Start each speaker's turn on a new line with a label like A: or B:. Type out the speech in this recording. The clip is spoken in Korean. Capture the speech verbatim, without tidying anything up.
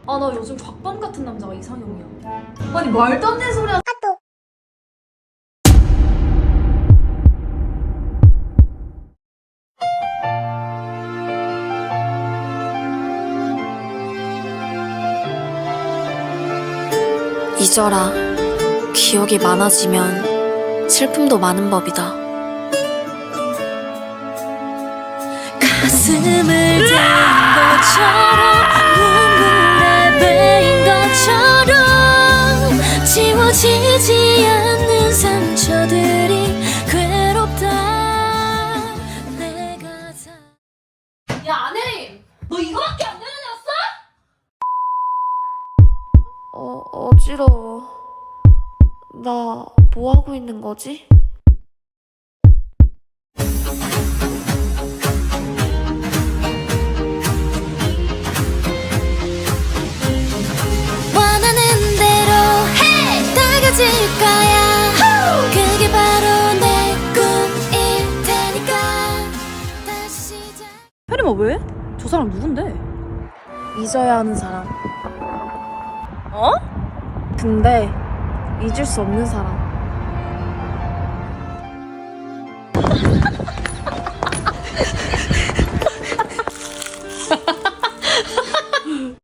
A: 아, 나 요즘 곽범 같은 남자가 이상형이야. 아니, 말도 안 되는 소리야.
B: 아또
C: 잊어라. 기억이 많아지면 슬픔도 많은 법이다. 가슴을 대인 것처럼 눈물에 베인 것처럼 지워지지 않는 상처들이 괴롭다. 내가 다...
A: 야, 안혜림! 너 이거밖에 안 되는 애였어?
C: 어, 어지러워. 나 뭐 하고 있는 거지? 원하는 대로 다가질 거야. 그게 바로 내 꿈일 테니까. 다시 시작.
A: 혜림아, 왜? 저 사람 누군데?
C: 잊어야 하는 사람.
A: 어?
C: 근데 잊을 수 없는 사람.